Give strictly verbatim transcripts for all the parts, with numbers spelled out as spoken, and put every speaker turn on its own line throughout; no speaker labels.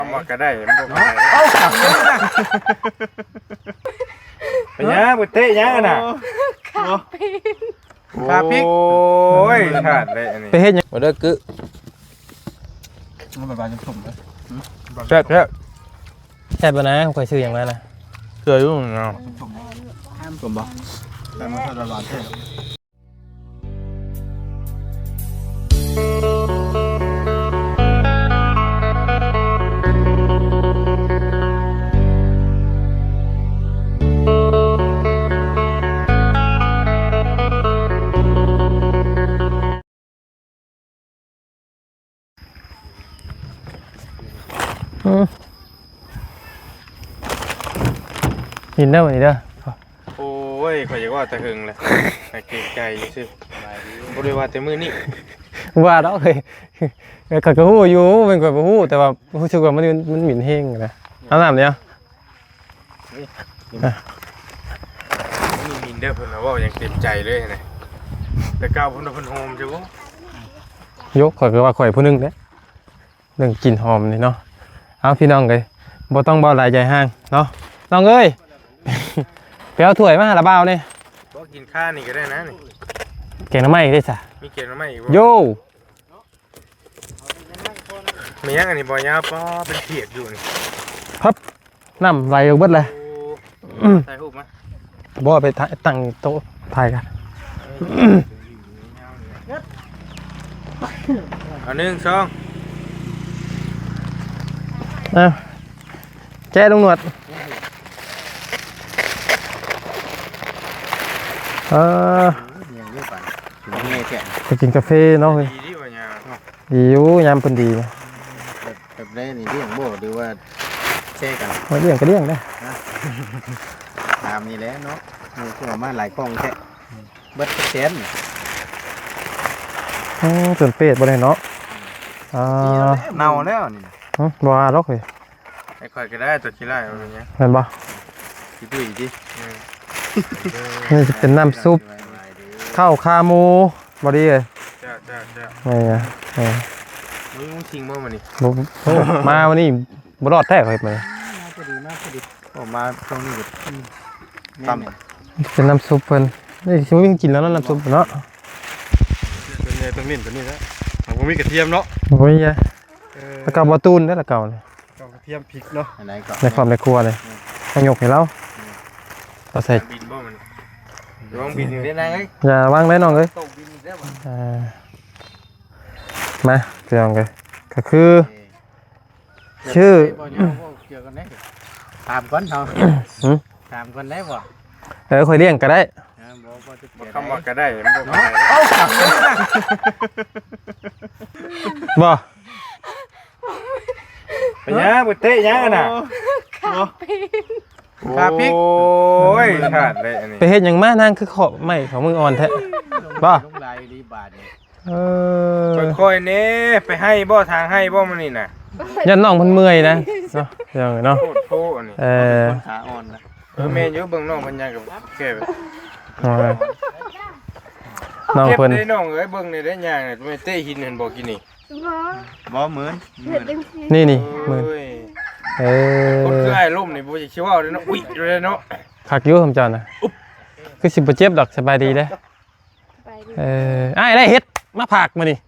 ทำมาก็ได้มันบอกได้เป็นยังบุตรเตะยังน่ะขาพริกโอ้ยขาดเลยอันนี้
ไปเฮ็ดยัง
มาเด้อกึ
มันแบบว่าจะสุ่มเลย
แซ่บแซ่บ
แซ่บบ่นะข่อยซื้อหยังมานะ
เกลือยุ่งเนาะ
ห้ามสุ่มบ่แต่มันถ้าร้อนเท่
กินได้บ่นี่เด้อ
โอ้ยข่อยอยากว่าแต่หึงเลยแต่เกรงใจซื่อบ่ได้ว่าแต่มื้อนี้
ว่าดอกเคยข่อยก็ฮู้อยู่เป็นข่อยบ่ฮู้แต่ว่ารู้สึกว่ามันมันหมิ่นแฮงนะเอาน้ำเดียว
นี่มินเด้อเพิ่นว่าอย่างเต็มใจเลยนะแต่ก้าวเพิ่นเพิ่นโฮมใช่บ่
ยกข่อยก็ว่าข่อยผู้หนึงเด้เรื่องกลิ่นหอมนี่เนาะเอาพี่น้องเอ้ยบ่ต้องเบาหลายใจห้างเนาะน้องเอ้ยไปเอาถ้วยมาละเบานี่
บ่กินข้าวนี่ก็ได้นะนี่
แกงหน่อไม้ได้ซะ
มีเกล็ดมาใหม่อีกบ่
โย
มียังอันนี้บ่ยาป้อเป็นเปียกอยู่นี่
พับน้ำไหลออกเบิดเลย
โอ้ถ่ายรูปมา
บ่ไปตั้งโต๊ะถ่ายกัน
เอาหนึ่งสอง
อ่ะแจ้ลงหนวดเออ
ยังเยอะไปถึงเงี้ยแก่
ไปกินกาแฟเนาะเฮ้ย
ดีดีบ่ยา
ดีอยู่ยามเพิ่นดีนะ
แบบแบบได้นี่เลี้ยงโบ่หรือว่าแช่กัน
มาเลี้ยงก็เลี้ยงได้
ตามนี่แหละเนาะมีขึ้นมาหลายกล้องแค่เบิดเซน
อือส่วนเป็ดบ่ได้เนาะอ่า
เน่าแล้วนี่
หึบ่ว่าหรอกเฮ้ย
ไอ้ข่อยก็ได้ตัวขี้ไล่เอาอย่างเงี้ย
แม่นบ่
คิดดูดิ
นี่จะเป็นน้ำซุปข้าวขาหมูบ่ดีเลย
จ้าจ้าจ้า
นี่ไงเออ
มึงมึงทิ้งบ่มานี่
บ่โอ้มาวันนี้บ่รอดแท้เฮ้ยมื้อ
มากพอดีมากพอดีออกมาตรงนี้ก็ต่ำ
เป็นน้ำซุปเพิ่นนี่สิบ่มีกินแล้วเนาะน้ำซุปเนาะ
ตัวนี้ตัวนี้ตัวนี้นะผมมีกระเทียมเนาะ
บ่มีอ่ะแล้วก็บ่ตูนได้ละเก่านี่
กระเทียมพริกเนาะ
อันไหนก็
ในความในครัวเลยให้ยกให้เราเราใส่
บินบ่มันลองบินได้นางเอ้ย
อย่าวางได้น้องเอ้ย
ตกบินได้บ่
อ่ามาเพียงเลยก็คือ ชื่อ
เกี่ยวกันได้ตามก่อนเนาะ
หืม
ตามก่อนได้บ่
เออค่อยเลี้ยงก็ได้
บ่บ่จะ
บ่คำว่าก็ได้มันบ่ได้
บ่
เป็นยังบุตรเตะยังน่ะ ขาพริกโอ้ยขาดเลยอันนี้
ไปเฮ็ดหยังมานั่งคือขอไม่ของมึงอ่อนแท้บ่
ลงลายรีบาทนี่
เออ
ค่อยๆนี่ไปให้บ่ทางให้บ่มันนี่น่ะ
ยันน้องเพิ่นเมื่อยนะเนาะเดี๋ยวเนาะ
โคตรโพอันนี้
เออ
คนขาอ่อนนะ
เออแม่อยู่เบิ่งน้องเพิ่นยังกับแก่แบบ
เอาไว้น้อง
เก็บ
เพิ่น
ได้น้องเอ้ยเบิ่งนี่ได้ย่างนี่ไม่เตะหินเห็นบ่กินนี่
บ่เหมือนเหมือน
นี่นี่มือ
โอ้ย
เอ
คนคือ
อ
ไอ้ล่มนี่บ่สิคิดว่าเลยเนาะอุ๊ยเลยเนาะ
คักอยู่คำจอนน่ะคือสิบ่เจ็บดอกสบายดีเด้อเอออ้ายได้เฮ็ดมาผากมานี่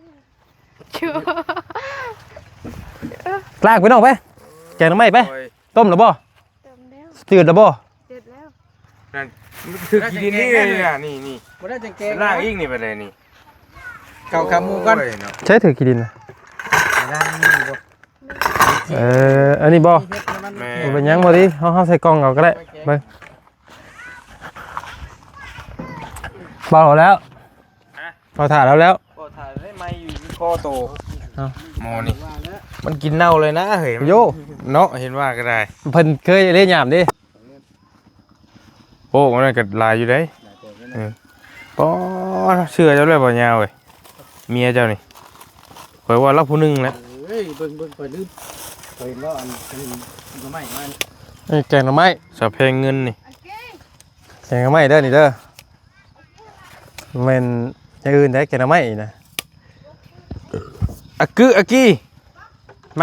ลากไปน้องไปแกงหน่อไม้ไป
โอ้ย
ต้มหรือบ่
เติมแล้ว
จืดหรือบ่
เสร็จแล้ว
นั่นมันคือกินนี่เลยน่ะนี่นี่
บ่ได้จังแกง
ล่างอีกนี่ไปเลยนี่
เข้าขาหมูก่อน
โอ้ยเนาะ
ใช้ถือกี่ดินนะ
ล่างนี่บ่
เอออันนี้บ่
เฮ็ดให้มัน
แม่
บ่เป็นหยังบ่ดิเฮาเฮาใส่กล่องเอาก็ได้เบิ่งเบาแล้วเบาถ่าแล้วแล้ว
ก็ถ่ายได้ไม้อยู่ที่คอโต
เอ้า
หมอนี่มันกินเน่าเลยนะเฮ้ย
โย
เนาะเห็นว่าก็ได้
เพิ่นเคยเล่นยามดิ
โอ้มันก็ลายอยู่ได้เออป้อเชื่อเจ้าเลยบ่ยาวเว้ยเมียเจ้านี่ข่อยว่าเราผู้หนึงแหละ
เฮ้ยเบิ่งเบิ่งข่อยลืมข่อยเห็นว่าอันนี้ก็ไม่มัน
นี่แกงหน่อไม้
สะเพงเงินนี่
แกงหน่อไม้เด้อนี่เด้อแม่นอย่างอื่นได้แกงหน่อไม้อีกนะ
อะกึอะกี้
มา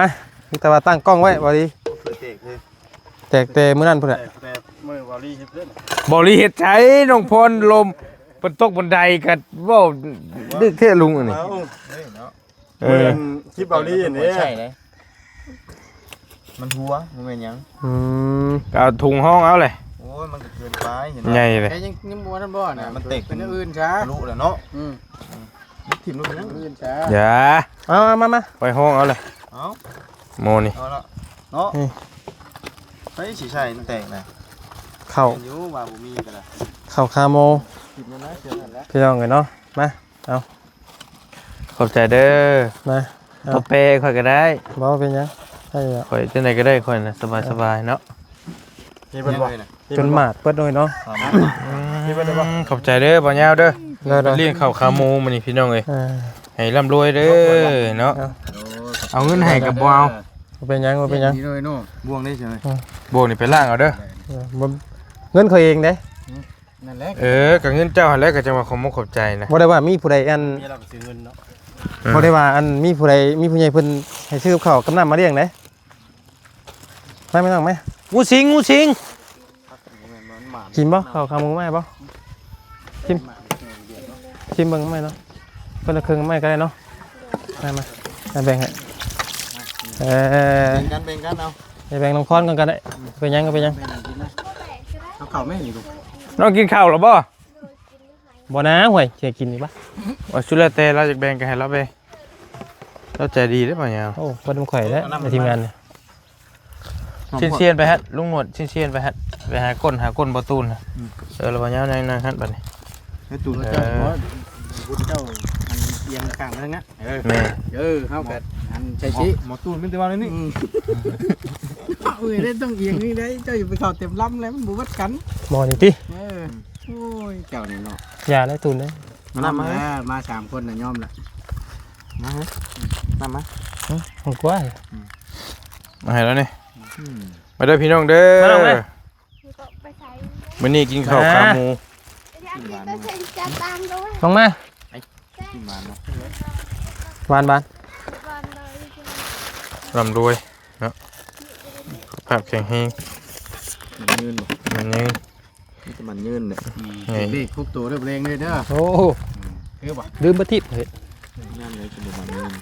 มีแต่ว่าตั้งกล้องไว้บ่ดี
เปิดเตะเลย
แตกแต่มื้อนั้นพุ่นน่ะ
แต่มือวอลลี่เฮ็ดเล่น
บริเฮ็ดใช้น้องพรลมบนตกบนไดกันเว้าดึกแท้ลุงอันนี้
เอ้า
เฮ้ยเนาะ
เอ
เอ
อ
อคลิปวอลลี่อันนี้
ใช่เลยมันหัวมันเป็นหยัง
อืม
ก็เอาถุงห้องเอาเลย
โอ้ยมันก็เกินไปเห็น
ใหญ่เลย
แค่ยังยังบ่ทันบ่น่ะ
มันเตะ
เป็นอย่างอื่นช้า
รู้แล้วเนาะ
อืม
ถิ่มลูก
อ
นั้
ย่าน งอื่นช้า
อย่า
เอามามามา
ไปห้องเอาเลย
เอา
โมนี่
เอาละเนาะ
นี่
ไปสีชัยมันแตกนะ
เข้า
เห็นอยู่ว่าบ่มีกันละ
เข้าคาโม
ถิ่มแล้วนะเชื่อนั่นแหละ
พี่น้องกันเนาะมา
ขอบใจเด้อ
มา
บ่เปค่อยก็ได้
บ่เป็นหยังใช่แล้ว
ค่อยจังไดก็ได้ค่อยน่ะสบายๆเนาะ
นี่เป็นบ่
เลยนะ
จนหมาดเปิดด้วยเนาะ
สามารถ
ขอบใจเด้อบ่ยาวเด้อ
ได้ๆ
เลี้ยงข้าวขาหมูมื้อนี้พี่น้องเอ้ย
อ่า
ให้ร่ำรวยเด้อเนาะเอาเงินให้กับบ่เอา
บ่เป็นหยังบ่เป็นหยัง
นี่เลยเนาะ
บ่วงได้ใช่ไหม
โบนี่ไปล้างเอาเด้อ
เออบ่เงินเขาเองเด้
นั่นแหละ
เออก็เงินเจ้าหั่นแหละก็จังว่าขอบมกขอบใจนะ
บ่ได้ว่ามีผู้ใดอัน
มีเราก็ซื้อเงินเนาะ
บ่ได้ว่าอันมีผู้ใดมีผู้ใหญ่เพิ่นให้ซื้อกับข้าวกับน้ำมาเลี้ยงเด้ไม่ไม่ต้องไหม
งูสิงงูสิง
มันหมา
กินบ่ข้าวขาหมูไหมบ่ชิมชิมเบิ่งไหมเนาะเพิ่นละครึ่งไหมก็ได้เนาะมามามาแบ่งให้เออ
เป็นกันเป็นกันเอา
ไปแบ่งน้องพรกันก็ได้เป็นหยังก็เป็นหยัง
แม่นกินนะเอาเข้าแม่นี่ลูก
น้องกินข้าวหรอบ่
บ่นะห่วยสิกินอีกบ่
ว่าสุดแล้วแต่เราจะแบ่งกันให้เราไปเราใจดีได้อบ่ยาว
โอ้บ่นำข่อยแล้วในทีมงานเนี่ย
เชียนเชียนไปฮะลุงหนวดเชียนเชียนไปฮะไปหาก้นหาก้นประตูนนะเออเราบ่ยาวนั่งนั่งฮะบัดนี้
ให้ตูน
เอ
เจ้า
อ
พุทธเจ้ามันเอียงข้างไปทางนั้นเออ
แม่
เออเฮาก็อันใช้ชิ
หมอตูนเป็นตัวอะไรนี่
อืมเอ้ยได้ต้องเอียงนี่ได้เจ้าอย่าไปเข้าเต็มลำแล้วมันบ่วัดกัน
บ่นี่ติ
เออโอ้ยเจ้านี่เนาะ
อย่าได้ตุนเด้
มาน้ำมา
เออมาสามคนน่ะยอมละ
มาเฮ้ยน้ำมา
ของกว่า
มาให้แล้วนี่มาเด้อพี่น้องเด้อ
มาน้องเด้อ
ไปใส่
มื้อนี้กินข้าวขาหมู
ไปใส่จับตามด้วย
ลงมา
กินหวานเนาะ
หวานบาน
บอลเลย
ร่ำรวยเนาะสุขภาพแข็งแรง
มันยืนบ่
มันยัง
นี่จะมันยืนเนี่ย
ไง
เด็กคุกตัวเรียบเร่งเลยเด้อ
โอ้
คือบ่
ลืมบ่ทิพย์เฮ้ย
ย่านเลยจะบ่มันยืน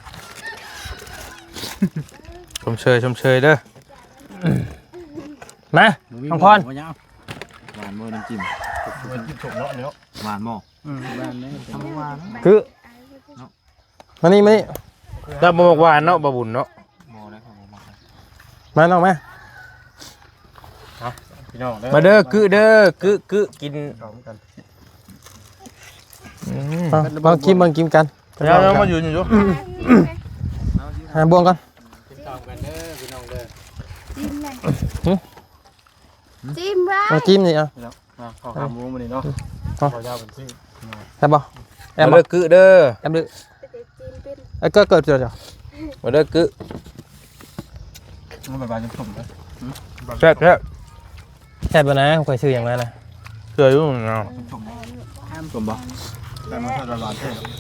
ชมเชยชมเชยเด้อ
มา น้องพร
บ่ยาว
หวานบ่น้ำจิ้ม
มันกินฉกเนาะเนาะ
หวานบ่
อืมบ้านนี้ทำหวาน
คือมานี่มานี่
ถ้าบ่บอกหวานเนาะบ่บุญเนาะ
บ่ได้ครับบ่มา
มาน้องมา
พี่น้องเด้อ
มาเด้อกึเด้อกึกึกิน
พร้อมกัน
อืม
เอามากินมากินกัน
ยาวๆมาอยู่อยู่
หาบ่วงกัน
กินข้าวกันเด้อพี่น้องเด้อ
จิ้มเลยจิ้มไร
เอาจิ้มนี่เอา
มาข้าวขาหมูมื้อนี้เนาะ
เอา
ข้าวยาวเป็นซี่
ใช่บ่แอ
มาม
บ่
เด้อกึเด้อ
แอมดื้อ
จิ้มเป็น
ไอ้ก็เกิดเจอจ้ะ
มาเด้อกึ
มันแบบว่าจะสมเลย
แซ่บแซ่บ
แค่บ่นะข่อยซื้ออย่างนั้นนะ
เชื่ออยู่เนาะ
สมบ่
แต่มันถ้าจะหวานเท่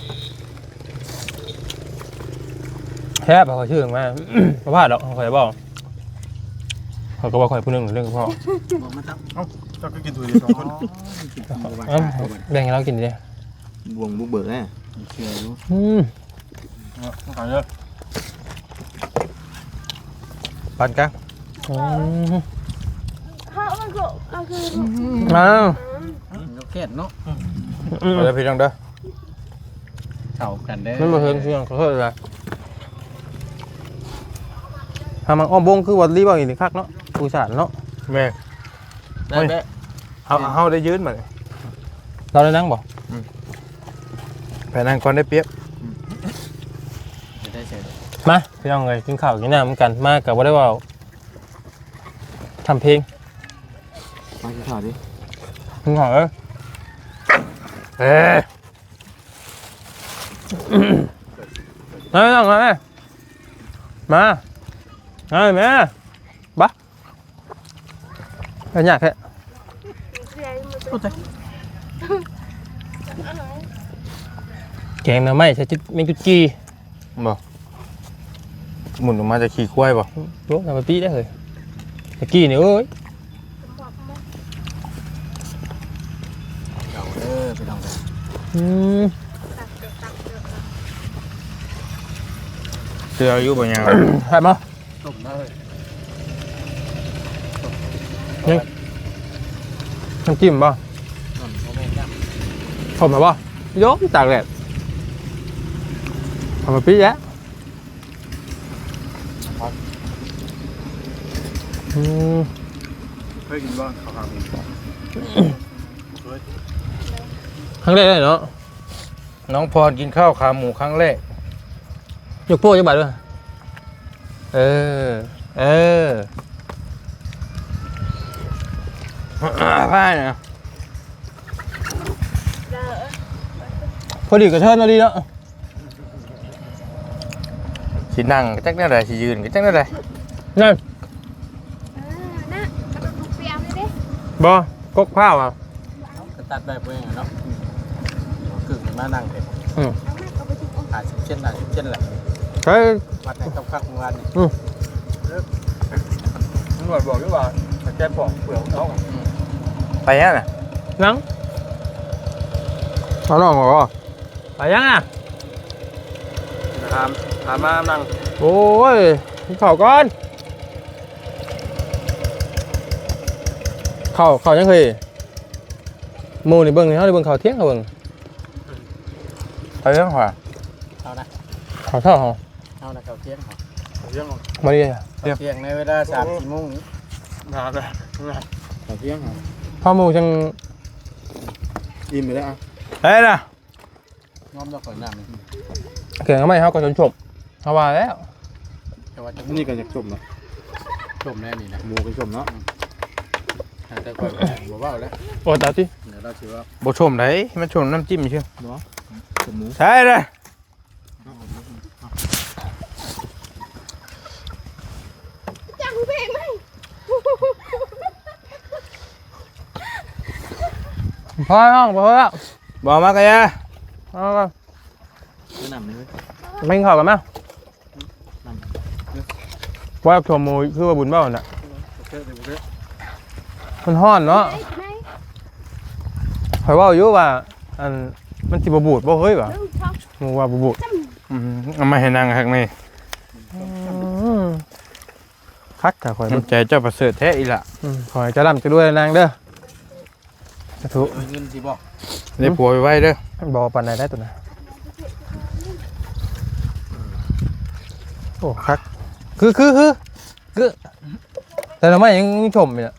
แค่บ่ข่อยซื้ออย่างนั้นบ่พลาดดอกข่อยบอกเขาก็บอกข่อยผู้หนึงเรื่องพ่อ
บอกมาตั้ง
เอ้าเจ้าก็กินตัวเดียวสองคน
เอ้าแบ่งให้เรากินดิ
บวงบุกเบิกแน่
เชื่ออยู่
อืม
เอาขายเยอะ
ปานกลาง
อืม
เขามันก็เอาคือ
อ้าว
นกแก้เนาะ
อืม
มาเด้อพี่น้องเด้อ
เข้ากันเด้อ
มันบ่เฮิงเสียงขอโทษเลยทำมันอ้อมบงคือวัดรีบ่อีกคักเนาะผู้สานเนาะ
แม่ได้แม่เฮาเฮาได้ยืนมา
เราได้นั่งบ่
ไปนั่งก่อนได้เปรียบ
จะได้เสร็จ
มาพี่น้องเอ้ยกินข้าวกินน้ำเหมือนกันมากับบ่ได้ว่าทำเพลง
มากินข้าวดิ
กินข้าวเอ้ย
เอ้ย
มาพี่น้องมามามาเอ้ยแม่บักเอาหยากแท้ แกงหน่อไม้ใส่จุดเมงจุดจี
บ่หมุนออกมาจะขี่ควายบ่
รู้ทำไปปีได้เลยตะกี้นี่เอ้ย
บอกมา
เก่าเด้อไปลองกัน
อืม
ตักเดือดตักเดือด
เสื้ออายุบ่ยาว
ใช่มั้ย
ต้มได้เลย
น้ำจิ้มป่ะ
นั่นโมเมนต์จ้ะ
ผมแบบว่าโยกตากแดดทำไปปีแยะอืม
เคยกินบ้างข้าวขาหมู
ครั้งแรกเลยเนาะ
น้องพรกินข้าวขาหมูครั้งแรก
ยกโป้ยกบาทด้วยเออเออ
พ่ายนะ
พอดีกับเชิญเราดีเนาะ
สินั่งก็จักแน่ใดสิยืนก็จักแน่ใด
นั่น
เออน่ะกระดูกลูกเปียกเลยดิ
บอกกข้าวอ่ะ
ก็ตัดแบบเองเนาะกึ่งมานั่งเป็น
เอาแม่เอาไปทิ้งเอา
หาสิบเช่นหาสิบเช่นแหละ
เฮ้ย
วัดในกับข้าวเมื่อวานนี่
ตำรวจบอกด้วยว่าแกปอกเปลือกของเขาอะ
ไปยังน่ะ
นังเอาหน่องเหรอไปยังอ่ะ
ถามถามมานั่ง
โอ้ยเข่าก่อนเข่าเข่ายังเคยหมูนี่เบิ่งนี่เขาได้เบิ่งเข่าเที่ยงเขาเบิ่ง
ไปยังขวา
เอานะ
เข่าเท่าเขา
เอานะเขาเที่ยงเหรอ
เรื่องของ
มาดิ
เขาเที่ยงในเวลาสามสี่โมงนี้
งานเลย
เขาเที่ยงเหรอ
พ่อหมูจัง
อิ่มไปแล้วอ่ะ
เฮ้ยน่ะ
ง้อมเราก่อนน้ำนี่
เก่งเขาไม่เขาก็จนจบเขาว่าแล้ว
แต่ว่าจะนี่ก็จะจมเนาะจมแน่นี่นะหมูก็จมเนาะแต่ก่อนบอกว่าแล้ว
โอ้ตาที่
เดี๋ยวเราชื่อว่า
บ่ชมไหนมันชมน้ำจิ้มเชื่อ
จมหมู
ใช่เลย
จังเพลงไหม
พอห้องพอแล้ว
บอกมากะยะ
เอาก็
แนะนำนี่ไหม
ไม่กินข้าวกันมั้ยว่าชมหมูคือว่าบุญเบ้าน่ะ
โอเคเดี๋ยวโอเค
มันฮ้อนเนาะ
ไหนไหน
ข่อยว่าอยู่ว่าอันมันสิบ่บูดบ่เฮ้ยว่ะ
เรื่องช็อก
หมูว่าบ่บูด
อืมเอามาให้นั่งข้างใน
คักถ้าข่อย
น้ำใจเจ้าประเสริฐแท้อีหละ
อืมข่อยจะร่ำจะรวยนางเด้อสาธุ
เอาเงินที่บอก
ได้ผัวไว้เด้อ
บ่ปานใดได้ตัวน่ะโอ้คักคือคือคือคือแต่ทำไมยังชมอยู่น่ะ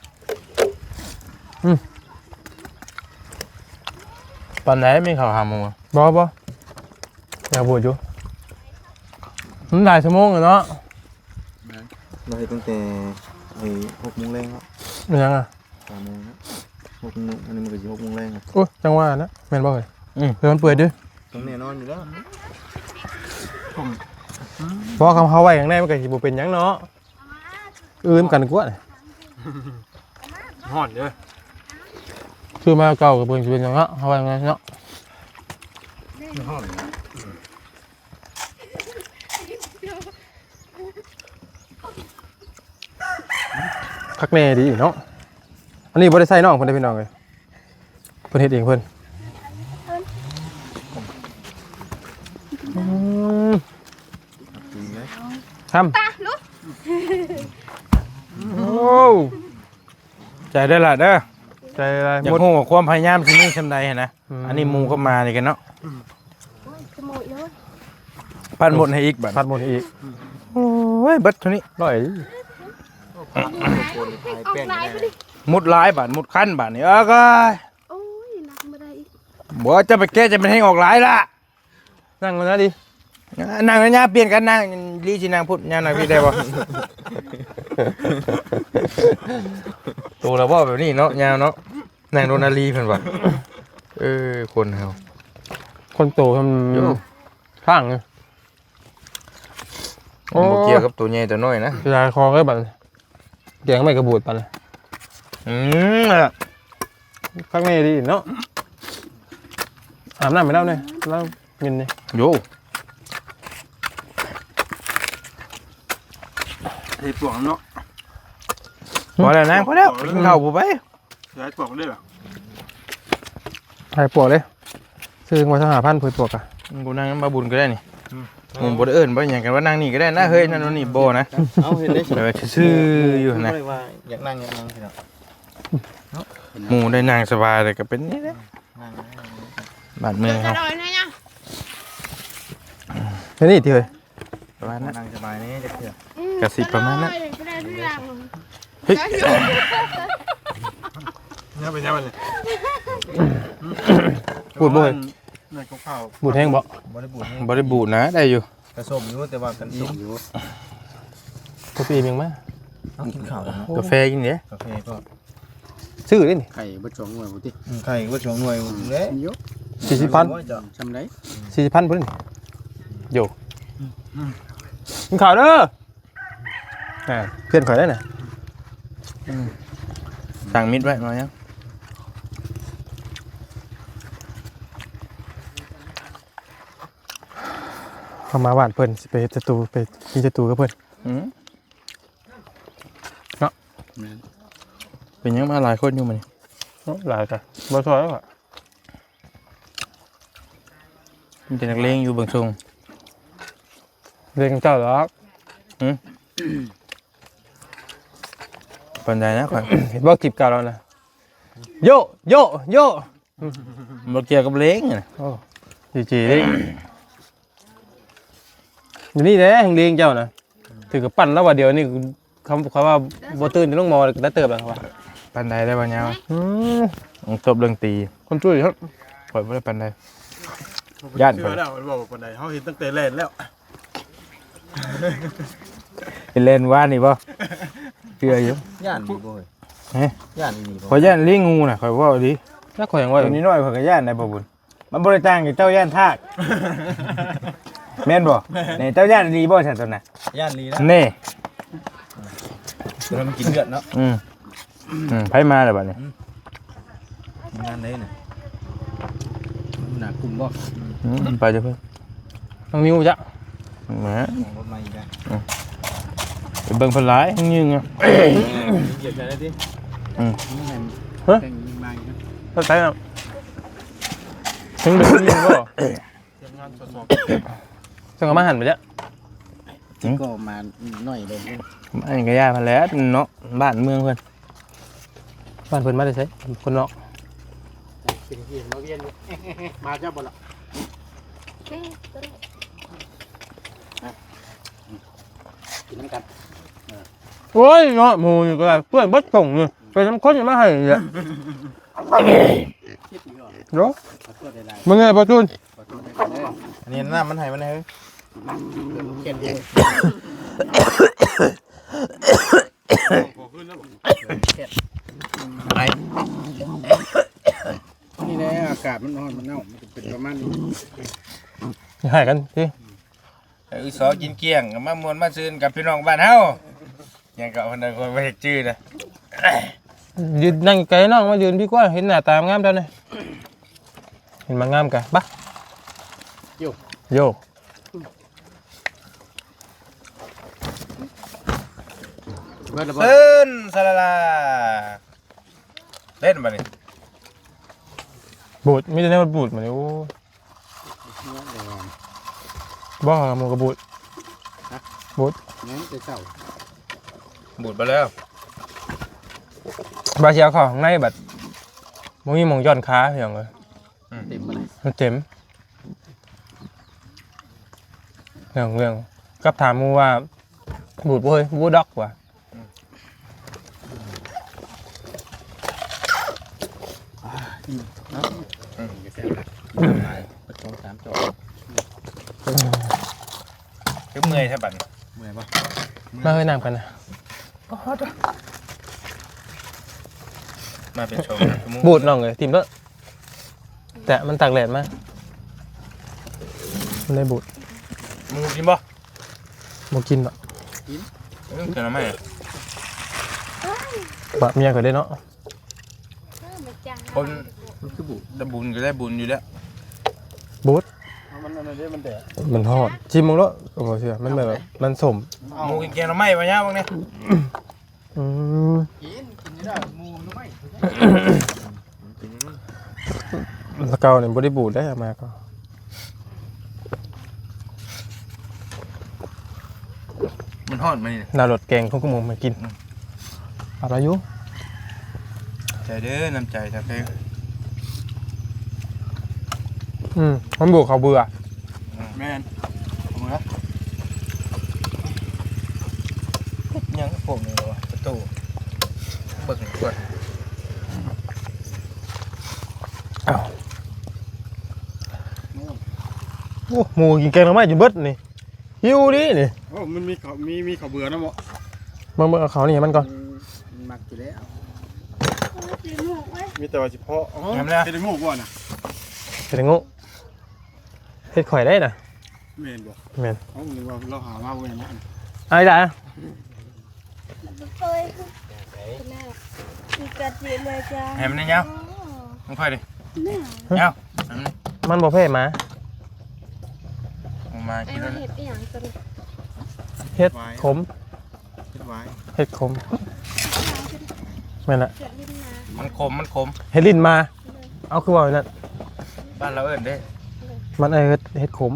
ตอนไหนไม่เข้าหาหมู
บ่บ่อยากบูดอยู่มันหลายชั่วโมงแล้วเนาะ
เราให้ตั้งแต่ไอ้หกโมงแรงครับ
มันยังอ่ะ
สามโมงนะหกโมงอันนี้มันก็จะหกโมงแรงครับ
โอ้ยจังว่านะแม่นบ่เอ้ยอืมเดี๋ยวมันเปื่อยเด้อ
ต้องแน่นอนอยู่แล้ว
เพราะคำเขาไว้อย่างแน่มันก็สิบ่เป็นหยังเนาะอื่นกันกว่าน่ะ
ห่อนเด้อ
คือมาเก่ากับเบิ่งสิเป็นหยังเนาะเขาไว้อย่างนั้นเนาะ
ห่อน
คักแน่ดีเนาะอันนี้บ่ได้ใส่น้องเพิ่นได้พี่น้องเอ้ยเพิ่นเฮ็ดเองเพิ่นอืม
จริงไหม
ทำ
ตาลุก
โอ้
ใจได้อละเด้อ
ใจอะไร
อยา
หม
ก
ด
ฮู้ว่าความพยายามสิมีชำใดหั้นนะ
อืม
อันนี้หมูก็มานี่กันเนาะ
โอ้ยขโมยเลย
ปั้นหมดให้อีกบัด
พัดหมดอีก
โอ้ยเบิดเท่านี้
ร้อย
โคนไทย
ออก
แป้ง
ลายไป
ได้
ดิ
มุดหลายบาทมุดคันบาทนี่เอ้อก็
โอ้ยหนักมาได้อีก
บ่จะไปแก้จะเป็นให้ออกหลายละ
นั่งกันนะดิ
นั่งนะเปลี่ยนกันนั่งลีสินางพุทธยามนางพี่ได้บ่ ตัวเราบ่แบบนี้เนาะยาวเนาะนางโดนาลีเพิ่นว่าเออคนเฮา
คนโตท
โย่
ำข้างเลย
บ่เกี่ยวกับตัวใหญ่ตัวน้อยนะ
จะคอก็บันเกียงไม่กระบูดปันเลย
อืมอ่ะ
ข้างในดีเนาะอาบน้ำไปแล้วเนี่ยแล้วมินเนี่ย
โย
เฮ้ยปวกเนาะ
พอแล้วนางพอแล้วกินข้าวบ่ไป
ใช้ปวกได้หรอ
ไผ่ปวกเลยซื้อมาสหพันธ์เพื่อปวกอ่ะ
กูนั่งมาบุญก็ได้นี่หมู่บ่ได้เอิ้นบ่หยังกันว่านั่งนี่ก็ได้นะเฮ้ยนั่นนี่บ่นะ
เอาเห็นได้
แต่ว่าซื่ออยู่นะ
ว่าอยากนั่งอยากนั่งพี่น้อง
หมู่ได้นั่งสบายเลยก็เป็นนี่แหละบ้านเมือง
จะ
เฮา
โดนนะเนี่ย
แค่นี้ที่เฮ้ย
ประมาณนั้น
นั่งสบายนี่จะเถื่อน
กระสิบประมาณนั้น
จะได้ทุกอย่าง
เฮ้ย
เนี่ยเป็นยังไงเลย
บูดบ่เฮ้ย
ในข้าว
บูดแห้งบ่
บริบูรณ์
บ่ได้บูดนะได้อยู่
กระสมอยู่แต่ว่ากันอิ่มอยู่
ตัวปีมึงมั้ย
เอากินข้าวแล้วเนาะ
กาแฟกินเด้
กาแฟก็
ซื้อได้นี่
ไข่บ่จองหน่วยบ่ติ
ไข่ก็ชงหน่วยเด้
เยอะ
สี่สิบพัน
จำได้
สี่สิบพันพุ่นนี่โยกินข้าวเด้ออ่าเพื่อนข่อยได้น่ะ
สั่งมิดไว้มายัง
เข้ามาบ้านเพิ่นสิไปเฮ็ดสตูไปกินสตูกับเพิ่น
อืมเนาะเป็นยังมาหลายคนอยู่มัน
หลายกันบ่ซอยแล้วอ่ะ
มันเป็นนักเลงอยู่เบางทรง
เรียนกับเจ้าหรอก
ปันใดนะข่อย
เห็นบ่คลิปเก่าแล้วนะโยโยโย
บ่เกี่ยวกับเลงน่ะ
โอ้จีๆเด้อยู่นี่แหละแห่งเรียนเจ้าน่ะถือกับปั้นแล้วว่าเดี๋ยวนี้คำเขาว่าบ่ตื่นจะลงมอได้เติบแล้วครับว่า
ปันใดได้บ่ยาว
อืม
ต้องจบเรื่องตี
คนช่วยครับ
ข่อยบ่ได้ปันใด
ๆ
ย่าน
เชื่อแล้วมันบอกว่าปานใดเขาเห็นตั้งแต่แรกแล้ว
เป็นเล่นว่านี่บ่เชื่ออยู่
ย่านนี่บ่เฮ้ย
เฮ้ย
ย่านนี่บ่
ข่อยย่านลิงงูน่ะข่อยเว้าดี
ถ้าข่อยยังว่า
ตัวนี้น้อยข่อยก็ย่านได้บ่บุญมันบ่ได้ต่างกับเจ้าย่านทากแม่นบ่นี่เจ้าย่านดีบ่ซั่นตัวน่ะ
ย่านนี้นะ
นี่
แล้วมันกินเลือดเนาะ
อืมอืมไผมาแล้วบัดนี้
งานได้น่ะ
หนักกลุ่มบ่
อืมไปจ้ะเพิ่น
ต้องนิ้วจ้ะ
แหม
ของรถมาอีกแล้ว
ไปเบิ่งเพิ่นหลายยิงอ่ะ
เหยียบใจได้ดิ
นี่ไง
เฮ้ย
แต่งยิงมาอีกนะ
เข้าใจแล้วถึงเดือดนี่บ่
เตรียมงานสด
จังเอามาหั่นไปจ้ะ
ก็มาหน่อยเลย
อันนี้ก็ย่าพันแหล้วเนาะบ้านเมืองเพิ่น
บ้านเพิ่นมาได้ไสคนนอก
เป็นเฮียนมาเวียนมาเจ้าบ่ล่ะกินน้ำกัน
โอ้ยเนาะหมู่นี่ก็ได้เพื่อนบ่ส่งนี่ไปนำคนมาให้นี่แหละ
คิดอยู่
เนาะ
ขอโทษได้
มึงไงบ่จูน
ขอโทษได้เด้อ
อันนี้น้ำมันให้มันให้เฮ้ย
เขียนเอง
พอขึ้นแล้วบอก
ไป
นี่แหละอากาศมันร้อนมันเน่ามันเป็นประมาณนี้
ให้กันสิ
ไอ้อุสอกินเกลี้ยงก็มามวนมาซื่นกับพี่น้องบ้านเฮายังก็เพิ่นได้คนบ่เฮ็ดชื่อนะ
ยืนนั่งไกลน้องมายืนพี่กว่าเห็นหน้าตางามเท่านี้เห็นมางามกะปะโยโย
เบิดแล้วบ่
ตื่นสะละลาเล่นบัดนี้
บูดมีแต่แนวบูดมาเนี่ยโอ้บ้าหมูกระบูดบูด
งั้นจะเจ้า
บูดไปแล้ว
บาเชียวเขาข้างในแบบมึงมีหมองย้อนขาอย่างเลย
เต็มมาเลย
มันเจ็มเรื่องเรื่องกับถามมูว่าบูดบ่เฮ้ยบูดด็อกว่ะ
สองสามจอ
คือเมื่อยใช่บัดนี้
เมื่อยบ่
มาเฮ้ยน้ำกันนะ
มาเป็นโชว์ชั่วโมง
บูดน้องเลยทีมแล้วแต่มันตากแดดมากมันได้บูด
มึงกินบ่
บ่กินหรอก
เออกินแล้วไหม
บะเมียก็ได้เนาะ
คน
มันคือบุ
ได้บุญก็ได้บุญอยู่แล้ว
บูด
เอา
มันอันนี้มันแดด
มันฮอดชิมมึงแล้วโอ้โหเชื่อมันแบบมันสม
หมูกินแกงหน่อไม้บ่ยาวบ้างเนี่ย
อืม
กินกินนี่ได้หมูน้อย
ตะเกาเนี่ยบริบูรณ์ได้เอามาก็
มันฮอดมานี่
นารดแกงของกุมงมากินอะไรอยู่
ใจเด้อน้ำใจถ้าเพลง
อืมมันบวกเขาเบื่อ
แม่นเอามือ
ยังผมนี่วะประตูเบิกก่อน
อ้าวโอ้หมูกินแกงหน่อไม้จนเบิดนี่หิวดินี่
โอ้มันมีเขามีมีเขาเบื่อนะหมอ
มึงมึงเอาเขานี่ให้มันก่อน
มันมักอยู่แล้ว
ตีหมูไว้
มีแต่ว่าเฉพาะอ๋อ
ทำแล้ว
เป็นหมูก่อนน่ะ
เป็นงูเฮ็ดข่อยได้น่ะ
แม่นบ่
แม่น
เขาหรือว่าเราหามาเว้ยนะ
ไอ้จ้ะ
เคยแล้วมีกระเจี๊ยบเลยจ้า
ให้มันได้ยาวมึงค่อยดิ
เนี่ย
ยาวให้มัน
มันบ่เพ่มา
ออกมา
ไอ้
กิน
มั
แล้ว
นเห็ดอย่างตัวนี้
เฮ็ดขม
คิดไว้
เฮ็ดขมแม่นละ
เกิดลิ้นมา
มันขมมันขม
เฮ็ดลิ้นมา เอาคือว่าอย่างนั้น
บ้านเราเอิ้นเด้
มันเอ้ยเฮ็ดเฮ็ดขม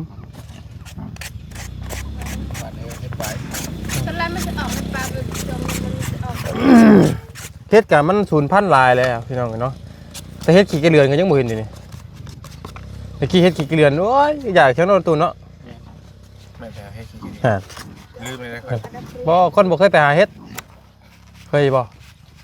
บ้านเอิ้นเฮ็ดไป
ตอนแรกมันจะออกเป็นปลาเป็นจมมันจะออก
เฮ็ดกับมันสูญพันธุ์หลายแล้วพี่น้องเนาะแต่เฮ็ดขี้กระเรือนก็ยังบ่เห็นอยู่นี่ตะกี้เฮ็ดขี้กระเรือนโอ้ยอยากเชียวเนาะตูนเนาะ
ไม่ใช่ให้ขี้
ฮะ
ลืมเลยค่อย
บ่คนบ่เคยไปหาเฮ็ดเคยบ่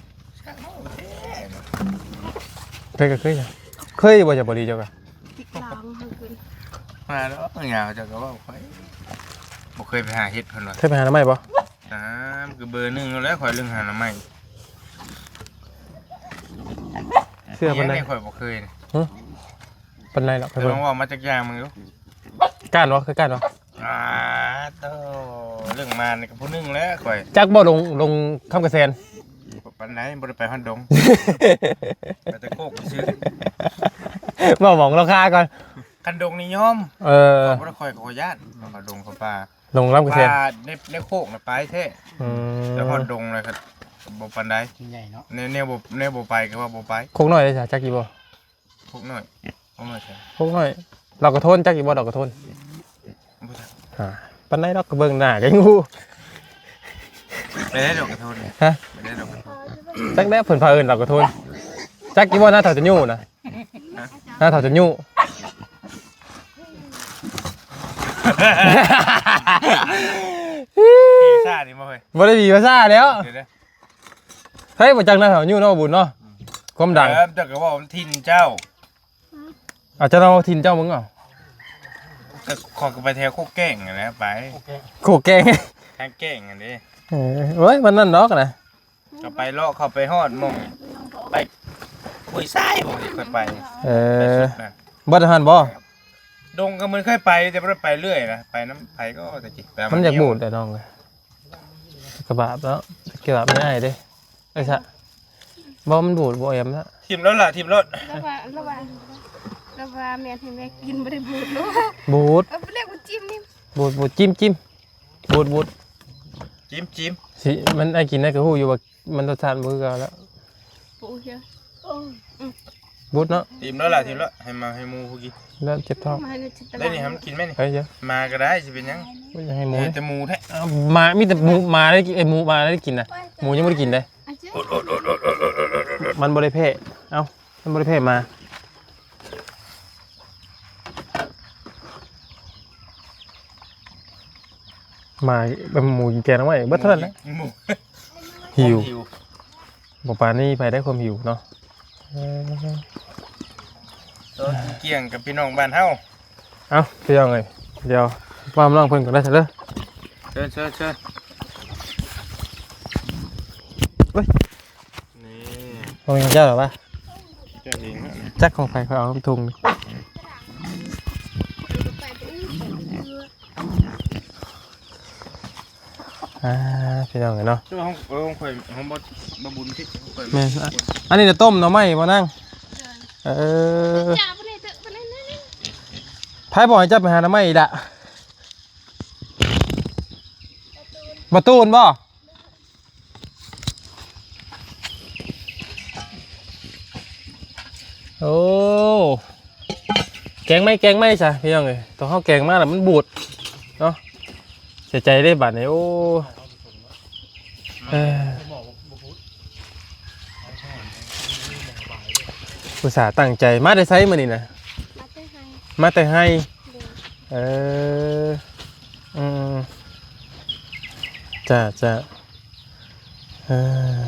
เคยก็เคยจ้ะเคยบ่จะบ่ดีเจ้าก็
ติดหลังมันขึ้น
มาแล้วเหงาจะก็ว่าค่อยบ่เคยไปหาเฮ็ดเพิ่นว่า
เคยไปหาหน่อไม้บ่
น้ำคือเบอร์หนึ่งแล้วข่อยเรื่องหาหน่อไม้
เชื่อปานใด
ยังข่อยบ่เคยนี่
ปานใดหรอกไป
แต่
เบิ่
ล
ง
องว่ามาจากอย่างมึงดู
ก้านบ่เคยก้านบ่
อ่าโตเรื่องมานี่ก็ผู้หนึงแล้วข่อย
จักบ่ลงลงคำกระแสน
ปานไหนบ่ได้ไปฮอนดงไปแต่โคกซื้อ
บ่หมองราคาก่อน
คันดงนี่ยอม
เออ
บ่ได้ข่อยขอญาตเขาดงเขาป่า
ลงคำกระแสน
ป่าในในโคกน่ะไปแท้
อื
แต่ฮอ
ม
นดงเลยครับบ่ปานใด
ใหญ่เนาะ
แนวแนวบ่แนวบ่ไปก็ว่าบ่ไป
โคกน้อยได้จ้ะจักกี่บ่
พวกน้อยพวกน้อยใช่
โคกน้อยเราก็ทนจักกี่บ่ดอกก็ทน
บ่ใช่
อ่าปานใดดอกก็เบิ่งหน้ากันงู
ไปได้ดอกกระโทน
ฮะ
ไปได้ดอกกระโทน
จักแด้เพิ่นพาเอิ้นเราก็ทนจักกี่บ่หน้าเฒ่าจะยู่นะหน้าเฒ่าจะยู่
พี่ซ่านี่มาเฮ้ย
บ่ได้มีภาษาแล้ว
เดี๋ยวนะ
เฮ้ยบ่จักหน้าเฒ่ายู่เนาะบุญเนาะความดัง
เออแต่ก็ว่าผมทินเจ้า
อาจจะเราทินเจ้ามึงเอ่ะ
ก็ขอก็ไปแถวโคกแก่งอะนะไป
โคกแกง
ทางแก่งอันนี้
เออเฮ้ยมันนั่นดอกนะ
ก็ไปเลาะเข้าไปฮอดหมองไปคุยซ้ายบ่เคยไป
เอ
ไป
อ
สุดนะ
บ่ทันบ่
ดงก็มันเคยไปแต่บ่ได้ไปเรื่อยนะไปน้ำไผก็แต่จิแต่
มันอยากบูดแต่น้องเลยกระบาดแล้วกระบาดไม่ได้เด้ไอ้ซะบ่มันบูดบ่แอมแล้ว
ทีมรถล่ะทีมรถ
แล้วว่าแล้วว่าแล้วว่าแม่ให้แม่กินไม่ได้บูดเนาะ
บูด
เอาไปเรียกว่าจิ้มนี่
บูดบูดจิ้มจิ้มบูดบูด
จิ้มจิ้ม
สิมันไอ้กินได้ก็ฮู้อยู่ว่ามันรสชาติบ่คือกันแล้ว
ปูเชียว
บูดเนาะ
ทีมรถล่ะทีมรถให้มาให้หมูผู้กิน
แล้วเจ็บท้อง
มาในจิตต
ได้นี่ให้มันกินไหมนี่
เฮ้ยเดี๋ยว
มาก็ได้สิเป็นหยัง
อยากให้หมู
เออ
เนี่ย
แต่หมูแท้
เอามามีแต่หมูมาได้กินไอ้หมูมาได้กินนะหมูยังบ่ได้กินเลย
อาจจะ
มันบ่ได้เพ่เอ้ามันบ่ได้เพ่มามาเป็นหมูกินแกงเอาไว้เบิดเท่านั้นแหละ
หมู
หิว
หิว
บอกปานนี่ไปได้ความหิวเนาะเออ
ตัวเกี่ยงกับพี่น้องบ้านเฮา
เอาพี่ยังไงเดี๋ยวว่ามล่างเพิ่นก่อนได้เถอะเด้อ
เชิญเชิญเชิญ
เฮ้ย
นี่
เอาอย่างเจ้าเหรอปะ
เจ้าเองนะ
จักของไฟเขาเอาทุงนี่
ไปไปนี่
อ่าพี่ยังไงเนาะ
เจ้าห้องเออห้องข่อยห้องบ่บ่บุญที่ข่อย
แม่นอะอันนี้จะต้มเนาะไหมบ่นั่งเออ
จ่าไปเลยเถอะไปเลยนี่
ไผไผบอกให้เจ้าไปหาน้ำไม้อีกละประตูนบ่โอ้แกงไหม่แกงไหม่จ้ะพี่น้องเอ้ยต้องเข้าแกงมากแล้วมันบูดเนาะเสียใจได้บัดนี้โอ้เอออุตส่าห์ตั้งใจมาได้ไซส์มานี่นะ
มาแต่ให้
มาแต่ให้
เดิน
เอออืมจ้าจ้าเออ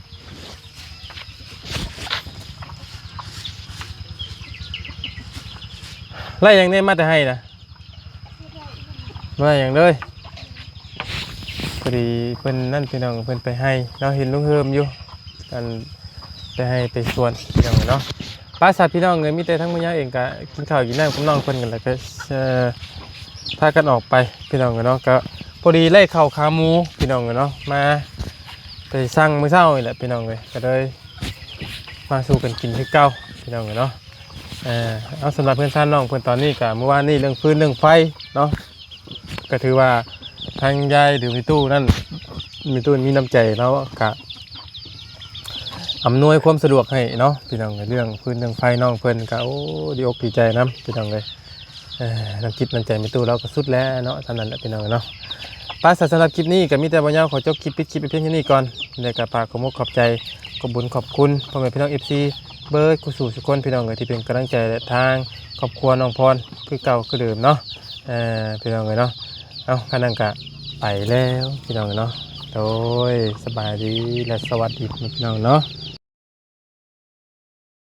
ไล่อย่างนี้มาแต่ให้นะไล่อย่างเลยพอดีเพิ่นนั่นพี่น้องเพิ่นไปให้เราเห็นลุงเฮิมอยู่กันไปให้ไปสวนพี่น้องเนาะป้าสัตว์พี่น้องเลยมีแต่ทั้งมื้อเองก็กินข้าวกินน้ำกับน้องเพิ่นกันแล้วก็เอ่อพากันออกไปพี่น้องเนาะก็พอดีไล่ข้าวขาหมูพี่น้องเนาะมาไปสั่งมื้อเช้านี่แหละพี่น้องเลยก็เลยมาสู่กันกินคือเก่าพี่น้องเนาะเอ่อเอาสำหรับเพื่อนซ่านน้องเพื่อนตอนนี้ก็เมื่อวานนี้เรื่องฟืนเรื่องไฟเนาะก็ถือว่าทางยายหรือมีตู้นั่นมีตู้มีน้ำใจแล้วก็อำนวยความสะดวกให้เนาะพี่น้องเรื่องฟืนเรื่องไฟน้องเพื่อนก็โอ้ดีอกดีใจน้ำพี่น้องเลยเอ่อน้ำจิตน้ำใจมีตู้เราก็สุดแล้วเนาะเท่านั้นแหละพี่น้องเนาะป้าสำหรับคลิปนี้ก็มีแต่บ่ยาวขอจบคลิปปิดคลิปไปเพียงแค่นี้ก่อนในกระปากขอมกขอบใจขอบบุญขอบคุณพ่อแม่พี่น้องเอฟซีเบิร์ดกุสู่ทุกคนพี่น้องเลยที่เป็นกำลังใจและทางครอบครัวน้องพรคือเก่าคือเดิมเนาะเอ่อพี่น้องเลยเนาะเอาขนังกะไปแล้วพี่น้องเนาะโดยสบายดีและสวัสดีพี่น้องเนาะ